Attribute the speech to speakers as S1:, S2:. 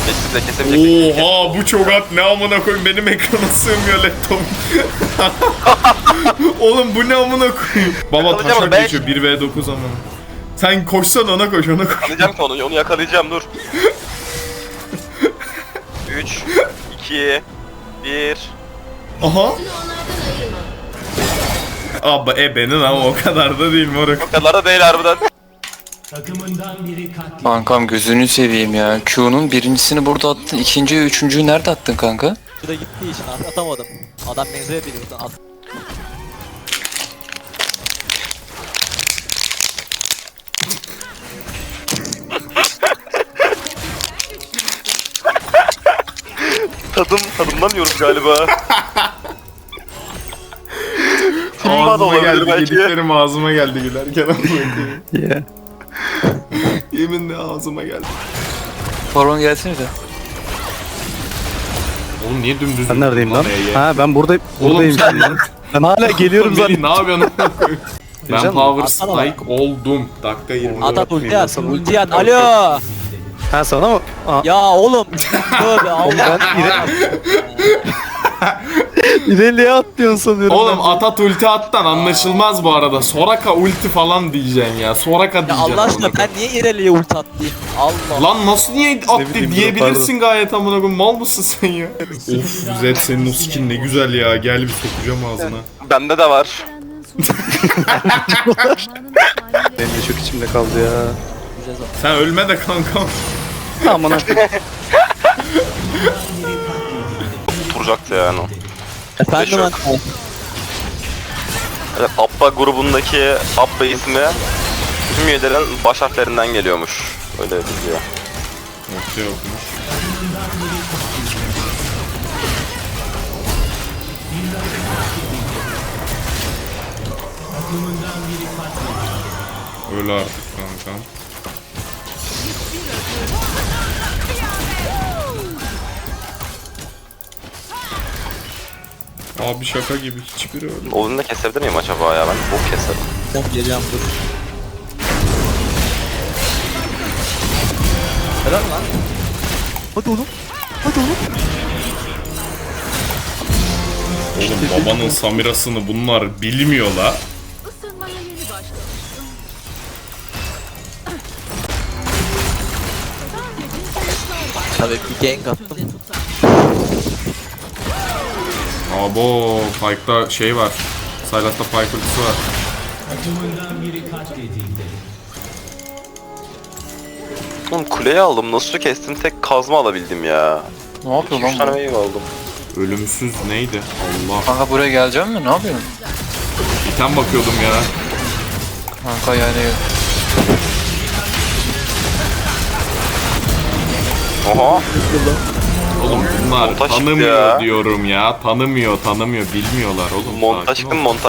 S1: Kesemeyecek.
S2: Oha bu çok at, ne amına koyayım, benim ekrana sığmıyor laptop. Oğlum bu ne amına koyayım. Baba
S1: Yakalayacağım
S2: taşak
S1: onu,
S2: geçiyor 1v9 amına. Sen koşsan ona koş, ona koş.
S1: Yakalayacağım ki onu yakalayacağım, dur. 3, 2, 1.
S2: Aha. Abi ebenin ama o kadar da değil moruk.
S1: O kadar da değil harbiden.
S3: Kankam gözünü seveyim ya. Q'nun birincisini burada attın. İkinciyi, üçüncüyü nerede attın kanka?
S4: Şurada gittiği için atamadım. Adam menzile biliyor. At.
S1: Tadımdan yiyoruz galiba. Timba da
S2: Ağzıma
S1: olabilir
S2: geldi,
S1: belki.
S2: yediklerim ağzıma geldi gülerken amına koyayım. Yeminle ağzıma geldi.
S3: Baron gelsene de.
S2: Oğlum niye dümdüz?
S5: Ben neredeyim lan?
S2: Nereye?
S5: Ha ben buradayım.
S2: Oğlum
S5: Buradayım.
S2: sen
S5: Ben hala geliyorum
S2: Melih,
S5: zaten.
S2: ne yapıyorsun amına koyayım? Ben
S5: Diyeceğim
S2: power
S4: Atsana bana.
S2: strike oldum. Dakika 20.
S4: At ulti at.
S5: Sana
S4: Ulti at. Alo.
S5: Ha sana mı? Aa,
S4: Ya oğlum. Tövbe Allah.
S5: İleriye at diyorsun sanıyorum.
S2: Oğlum atat ulti attan anlaşılmaz bu arada. Soraka ulti falan diyeceksin ya. Soraka
S4: Ya
S2: diyeceksin.
S4: Allah aşkına
S2: amına
S4: ben niye ileriye ulti attım? Allah.
S2: Lan nasıl niye attı
S5: bileyim,
S2: diyebilirsin gayet amına koyayım. Mal mısın sen ya? Of Zed senin o skin ne güzel ya. Gel bir sokacağım ağzına.
S1: Bende de var.
S5: Benim de çok içimde kaldı ya.
S2: Sen ölme de kankam.
S5: Aman ha.
S1: Oturacaktı yani o.
S4: Efendim
S1: Yok.
S4: anne.
S1: Evet, Abba grubundaki Abba ismi tüm üyelerin baş harflerinden geliyormuş. Öyle diyor.
S2: Yok yokmuş. Öyle artık kankam. Abi şaka gibi hiçbiri öyle.
S1: Oğlunu da kesebilir miyim acaba ya? Ben bok keserim.
S4: Tamam geleceğim dur. Helal lan. Hadi oğlum. Hadi oğlum.
S2: Oğlum babanın Samirasını bunlar bilmiyor la.
S6: Isınmaya yeni başlamıştım.
S4: Tabii bir gank attım.
S2: Abo Pyke'da şey var. Sylas'ta Pyke ultisi var.
S1: Oğlum kuleyi aldım. Nasıl kestim? Tek kazma alabildim ya.
S3: Ne yapıyor
S1: 2-3
S3: lan
S1: tane
S3: bu?
S1: wave aldım.
S2: Ölümsüz neydi? Allah.
S3: Kanka buraya geleceğim mi? Ne yapıyorsun?
S2: İten bakıyordum ya.
S3: Kanka yani
S1: Oha.
S2: Oğlum bunlar
S1: Montaj çıktı
S2: tanımıyor
S1: ya.
S2: diyorum ya. Tanımıyor. Bilmiyorlar oğlum.
S1: Montaj
S2: Sakin ol.
S1: çıktım montaj.